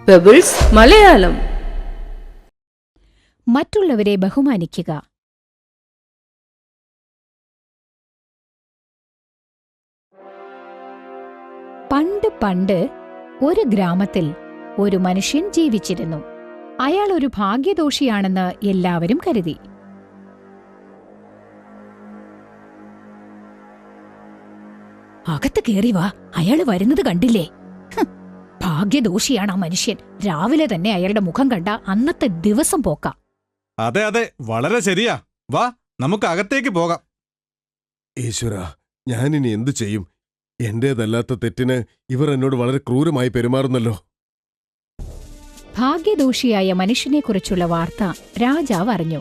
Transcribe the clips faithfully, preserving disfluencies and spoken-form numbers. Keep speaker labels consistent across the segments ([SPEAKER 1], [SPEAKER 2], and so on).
[SPEAKER 1] Pebbles Malayalam.
[SPEAKER 2] മറ്റുള്ളവരെ ബഹുമാനിക്കുക. പണ്ട് പണ്ട് ഒരു ഗ്രാമത്തിൽ ഒരു മനുഷ്യൻ ജീവിച്ചിരുന്നു. അയാൾ ഒരു ഭാഗ്യദോഷിയാണെന്ന് എല്ലാവരും കരുതി. അകത്ത് കേറി വാ, അയാള് വരുന്നത് കണ്ടില്ലേ? ഭാഗ്യദോഷിയാണ് ആ മനുഷ്യൻ. രാവിലെ തന്നെ അയാളുടെ മുഖം കണ്ട അന്നത്തെ ദിവസം പോക്കാം.
[SPEAKER 3] അതെ അതെ, വളരെ ശരിയാ. വാ, നമുക്ക് അകത്തേക്ക് പോകാം.
[SPEAKER 4] ഈശ്വര, ഞാനിനി എന്തു ചെയ്യും? എന്റേതല്ലാത്ത തെറ്റിന് ഇവർ എന്നോട് വളരെ ക്രൂരമായി പെരുമാറുന്നല്ലോ.
[SPEAKER 2] ഭാഗ്യദോഷിയായ മനുഷ്യനെക്കുറിച്ചുള്ള വാർത്ത രാജാവ് അറിഞ്ഞു.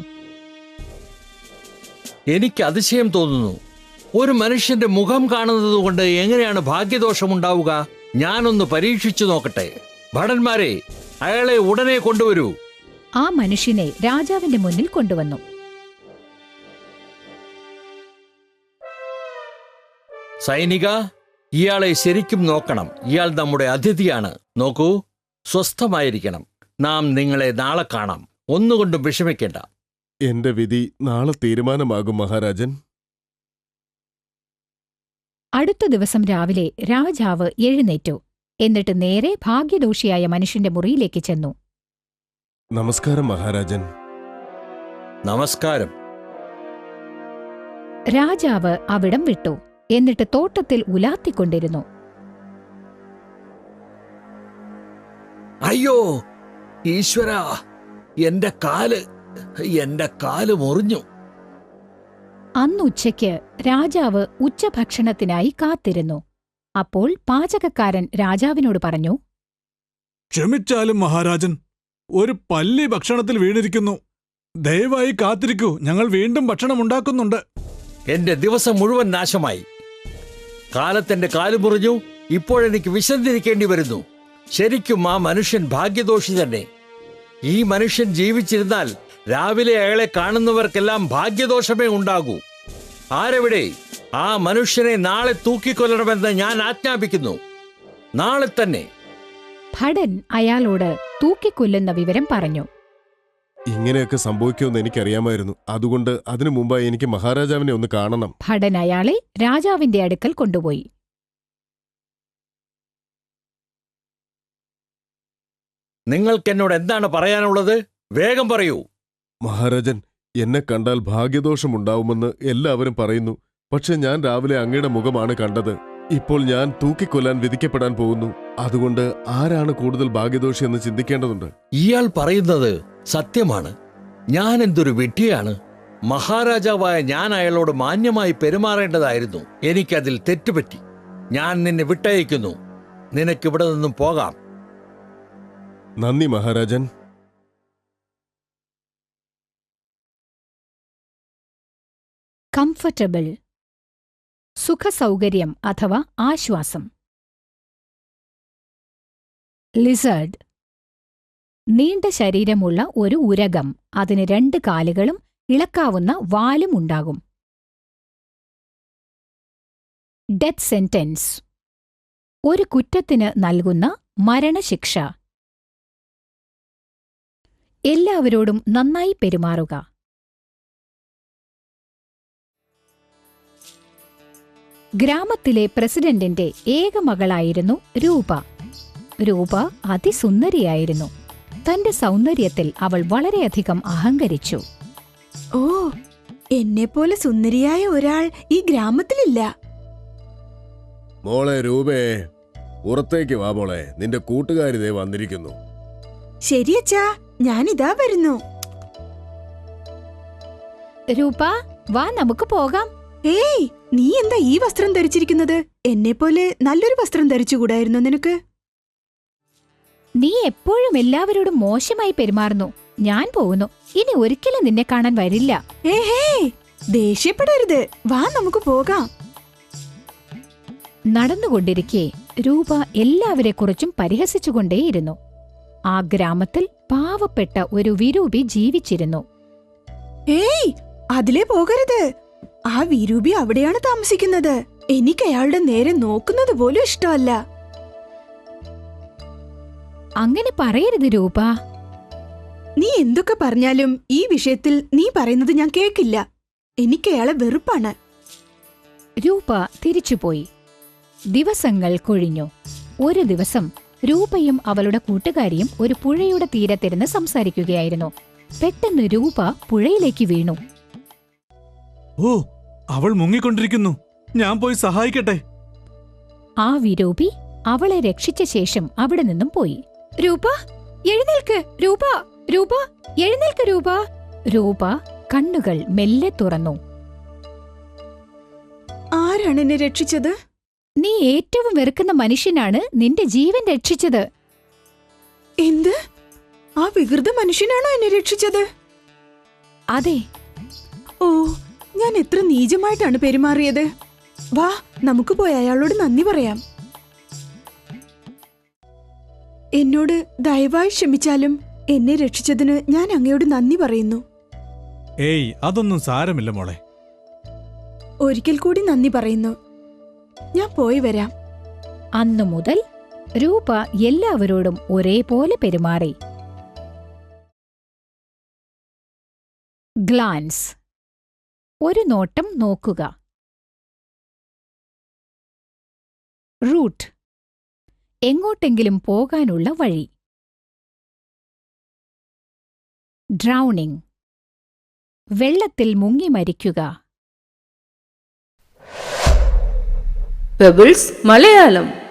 [SPEAKER 5] എനിക്ക് അതിശയം തോന്നുന്നു. ഒരു മനുഷ്യന്റെ മുഖം കാണുന്നത് കൊണ്ട് എങ്ങനെയാണ് ഭാഗ്യദോഷമുണ്ടാവുക? ഞാനൊന്ന് പരീക്ഷിച്ചു നോക്കട്ടെ. ഭടന്മാരെ, അയാളെ ഉടനെ കൊണ്ടുവരൂ.
[SPEAKER 2] ആ മനുഷ്യനെ രാജാവിന്റെ മുന്നിൽ കൊണ്ടുവന്നു.
[SPEAKER 5] സൈനിക, ഇയാളെ ശരിക്കും നോക്കണം. ഇയാൾ നമ്മുടെ അതിഥിയാണ്. നോക്കൂ, സ്വസ്ഥമായിരിക്കണം. നാം നിങ്ങളെ നാളെ കാണാം. ഒന്നുകൊണ്ടും വിഷമിക്കേണ്ട.
[SPEAKER 4] എന്റെ വിധി നാളെ തീരുമാനമാകും മഹാരാജൻ.
[SPEAKER 2] അടുത്ത ദിവസം രാവിലെ രാജാവ് എഴുന്നേറ്റു. എന്നിട്ട് നേരെ ഭാഗ്യദോഷിയായ മനുഷ്യന്റെ മുറിയിലേക്ക് ചെന്നു.
[SPEAKER 4] നമസ്കാരം മഹാരാജൻ.
[SPEAKER 5] നമസ്കാരം.
[SPEAKER 2] രാജാവ് അവിടം വിട്ടു. എന്നിട്ട് തോട്ടത്തിൽ ഉലാത്തിക്കൊണ്ടിരുന്നു.
[SPEAKER 5] അയ്യോ ഈശ്വര, എന്റെ കാല് എന്റെ കാല് മുറിഞ്ഞു.
[SPEAKER 2] അന്നുച്ചയ്ക്ക് രാജാവ് ഉച്ചഭക്ഷണത്തിനായി കാത്തിരുന്നു. അപ്പോൾ പാചകക്കാരൻ രാജാവിനോട് പറഞ്ഞു,
[SPEAKER 3] ക്ഷമിച്ചാലും മഹാരാജൻ, ഒരു പല്ലി ഭക്ഷണത്തിൽ വീണിരിക്കുന്നു. ദയവായി കാത്തിരിക്കൂ, ഞങ്ങൾ വീണ്ടും ഭക്ഷണം ഉണ്ടാക്കുന്നുണ്ട്.
[SPEAKER 5] എന്റെ ദിവസം മുഴുവൻ നാശമായി. കാലത്തെന്റെ കാല് മുറിഞ്ഞു. ഇപ്പോഴെനിക്ക് വിശന്നിരിക്കേണ്ടി വരുന്നു. ശരിക്കും ആ മനുഷ്യൻ ഭാഗ്യദോഷി തന്നെ. ഈ മനുഷ്യൻ ജീവിച്ചിരുന്നാൽ രാവിലെ അയാളെ കാണുന്നവർക്കെല്ലാം ഭാഗ്യദോഷമേ ഉണ്ടാകൂ. ആരെവിടെ? ആ മനുഷ്യനെ നാളെ തൂക്കിക്കൊല്ലണമെന്ന് ഞാൻ ആജ്ഞാപിക്കുന്നു. നാളെ തന്നെ.
[SPEAKER 2] ഭടൻ അയാളോട് തൂക്കിക്കൊല്ലുന്ന വിവരം പറഞ്ഞു.
[SPEAKER 4] ഇങ്ങനെയൊക്കെ സംഭവിക്കുമെന്ന് എനിക്കറിയാമായിരുന്നു. അതുകൊണ്ട് അതിനു മുമ്പായി എനിക്ക് മഹാരാജാവിനെ ഒന്ന് കാണണം.
[SPEAKER 2] ഭടൻ അയാളെ രാജാവിന്റെ അടുക്കൽ കൊണ്ടുപോയി.
[SPEAKER 5] നിങ്ങൾക്കെന്നോട് എന്താണ് പറയാനുള്ളത്? വേഗം പറയൂ.
[SPEAKER 4] മഹാരാജൻ, എന്നെ കണ്ടാൽ ഭാഗ്യദോഷമുണ്ടാവുമെന്ന് എല്ലാവരും പറയുന്നു. പക്ഷെ ഞാൻ രാവിലെ അങ്ങയുടെ മുഖമാണ് കണ്ടത്. ഇപ്പോൾ ഞാൻ തൂക്കിക്കൊല്ലാൻ വിധിക്കപ്പെടാൻ പോകുന്നു. അതുകൊണ്ട് ആരാണ് കൂടുതൽ ഭാഗ്യദോഷി എന്ന് ചിന്തിക്കേണ്ടതുണ്ട്.
[SPEAKER 5] ഇയാൾ പറയുന്നത് സത്യമാണ്. ഞാൻ എന്തൊരു വിഡ്ഢിയാണ്. മഹാരാജാവായ ഞാൻ അയാളോട് മാന്യമായി പെരുമാറേണ്ടതായിരുന്നു. എനിക്കതിൽ തെറ്റുപറ്റി. ഞാൻ നിന്നെ വിട്ടയക്കുന്നു. നിനക്കിവിടെ നിന്നും പോകാം.
[SPEAKER 4] നന്ദി മഹാരാജൻ.
[SPEAKER 2] കംഫർട്ടബിൾ, സുഖസൗകര്യം അഥവാ ആശ്വാസം. ലിസേർഡ്, നീണ്ട ശരീരമുള്ള ഒരു ഉരഗം. അതിന് രണ്ട് കാലുകളും ഇളക്കാവുന്ന വാലും ഉണ്ടാകും. ഡെത്ത് സെന്റൻസ്, ഒരു കുറ്റത്തിന് നൽകുന്ന മരണശിക്ഷ. എല്ലാവരോടും നന്നായി പെരുമാറുക. ഗ്രാമത്തിലെ പ്രസിഡന്റിന്റെ ഏക മകളായിരുന്നു രൂപ. രൂപ അതിസുന്ദരിയായിരുന്നു. തന്റെ സൗന്ദര്യത്തിൽ അവൾ വളരെയധികം അഹങ്കരിച്ചു.
[SPEAKER 6] ഓ, എന്നെപ്പോലെ സുന്ദരിയായ ഒരാൾ ഈ ഗ്രാമത്തിലില്ല.
[SPEAKER 4] മോളെ രൂപേ, പുറത്തേക്ക് വാ മോളെ. നിന്റെ കൂട്ടുകാരിതേ വന്നിരിക്കുന്നു.
[SPEAKER 6] ശരിയച്ചാ, ഞാനിതാ വരുന്നു.
[SPEAKER 2] രൂപ, വാ, നമുക്ക് പോകാം.
[SPEAKER 6] ഏയ്, നീ എന്താ ഈ വസ്ത്രം ധരിച്ചിരിക്കുന്നത്? എന്നെപ്പോലെ നല്ലൊരു വസ്ത്രം ധരിച്ചുകൂടായിരുന്നു നിനക്ക്?
[SPEAKER 2] നീ എപ്പോഴും എല്ലാവരോടും മോശമായി പെരുമാറുന്നു. ഞാൻ പോകുന്നു. ഇനി ഒരിക്കലും നിന്നെ കാണാൻ വരില്ല.
[SPEAKER 6] ഏഹേ, ദേഷ്യപ്പെടരുത്. വാ, നമുക്ക് പോകാം.
[SPEAKER 2] നടന്നുകൊണ്ടിരിക്കെ രൂപ എല്ലാവരെക്കുറിച്ചും പരിഹസിച്ചുകൊണ്ടേയിരുന്നു. ആ ഗ്രാമത്തിൽ പാവപ്പെട്ട ഒരു വിരൂപി ജീവിച്ചിരുന്നു.
[SPEAKER 6] ഏയ്, അതിലേ പോകരുത്. ആ വിരൂപി അവിടെയാണ് താമസിക്കുന്നത്. എനിക്ക് അയാളുടെ നേരെ നോക്കുന്നത് പോലും ഇഷ്ടമല്ല.
[SPEAKER 2] അങ്ങനെ പറയരുത് രൂപ.
[SPEAKER 6] നീ എന്തൊക്കെ പറഞ്ഞാലും ഈ വിഷയത്തിൽ നീ പറയുന്നത് ഞാൻ കേൾക്കില്ല. എനിക്ക് അയാളെ വെറുപ്പാണ്.
[SPEAKER 2] രൂപ തിരിച്ചുപോയി. ദിവസങ്ങൾ കൊഴിഞ്ഞു. ഒരു ദിവസം രൂപയും അവളുടെ കൂട്ടുകാരിയും ഒരു പുഴയുടെ തീരത്തിരുന്ന് സംസാരിക്കുകയായിരുന്നു. പെട്ടെന്ന് രൂപ പുഴയിലേക്ക് വീണു.
[SPEAKER 3] ഓ, അവൾ മുങ്ങിക്കൊണ്ടിരിക്കുന്നു. ഞാൻ പോയി സഹായിക്കട്ടെ.
[SPEAKER 2] ആ വിരൂപി അവളെ രക്ഷിച്ച ശേഷം അവിടെ നിന്നും പോയി. രൂപ, എഴുന്നേൽക്ക്! രൂപ, രൂപ, എഴുന്നേൽക്ക് രൂപ! രൂപ കണ്ണുകൾ മെല്ലെ തുറന്നു.
[SPEAKER 6] ആരാണ് എന്നെ രക്ഷിച്ചത്?
[SPEAKER 2] നീ ഏറ്റവും വെറുക്കുന്ന മനുഷ്യനാണ് നിന്റെ ജീവൻ രക്ഷിച്ചത്.
[SPEAKER 6] എന്ത്? ആ വികൃത മനുഷ്യനാണോ എന്നെ രക്ഷിച്ചത്?
[SPEAKER 2] അതെ.
[SPEAKER 6] ഓ, ഞാൻ എത്ര നീചമായിട്ടാണ് പെരുമാറിയത്. വാ, നമുക്ക് പോയി അയാളോട് നന്ദി പറയാം. എന്നോട് ദയവായി ക്ഷമിച്ചാലും എന്നെ രക്ഷിച്ചതിന് ഞാൻ അങ്ങയോട് നന്ദി പറയുന്നു.
[SPEAKER 3] ഏയ്, അതൊന്നും സാരമില്ല മോളെ.
[SPEAKER 6] ഒരിക്കൽ കൂടി നന്ദി പറയുന്നു. ഞാൻ പോയി വരാം.
[SPEAKER 2] അന്നു മുതൽ രൂപ എല്ലാവരോടും ഒരേപോലെ പെരുമാറി. ഗ്ലാൻസ്, ഒരു നോട്ടം നോക്കുക. റൂട്ട്, എങ്ങോട്ടെങ്കിലും പോകാനുള്ള വഴി. ഡ്രൗണിംഗ്, വെള്ളത്തിൽ മുങ്ങി മരിക്കുക.
[SPEAKER 1] പെബിൾസ് മലയാളം.